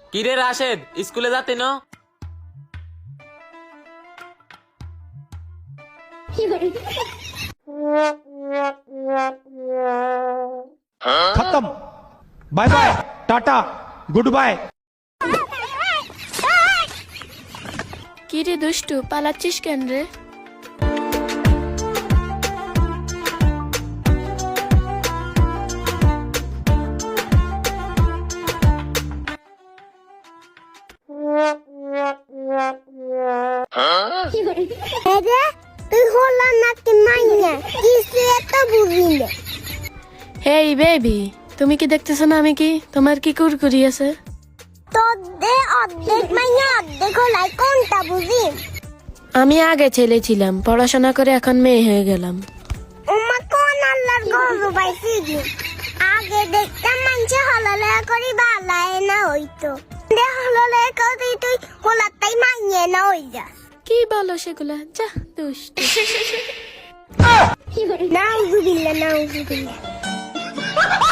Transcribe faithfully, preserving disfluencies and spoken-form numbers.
কিরে রাশেদ, স্কুলে যাতে ন? खत्म। Bye bye, tata, goodbye. কি রে দুষ্টু, পালাচ্ছিস কেন রে? তুই হলা নাকি মাইয়া কিছু এত বুঝি না। হেই বেবি, তুমি কি দেখতেছো না আমি কি? তোমার কি কুরকুরি আছে? তোর দে অর্ধেক মাইয়া অর্ধেক হলাই কোনটা বুঝি? আমি আগে ছেলে ছিলাম, পড়াশোনা করে এখন মেয়ে হয়ে গেলাম। উম্মা কোন আল্লাহর গরু পাইছি দি। আগে দেখতাম মানুষে হলালে করি বালায় না হইতো, দে হলালে করি তুই হলাতাই মাইয়ে না হই যা। কি বলো সেগুলা? যা দুষ্টু। নাউজুবিল্লাহ নাউজুবিল্লাহ।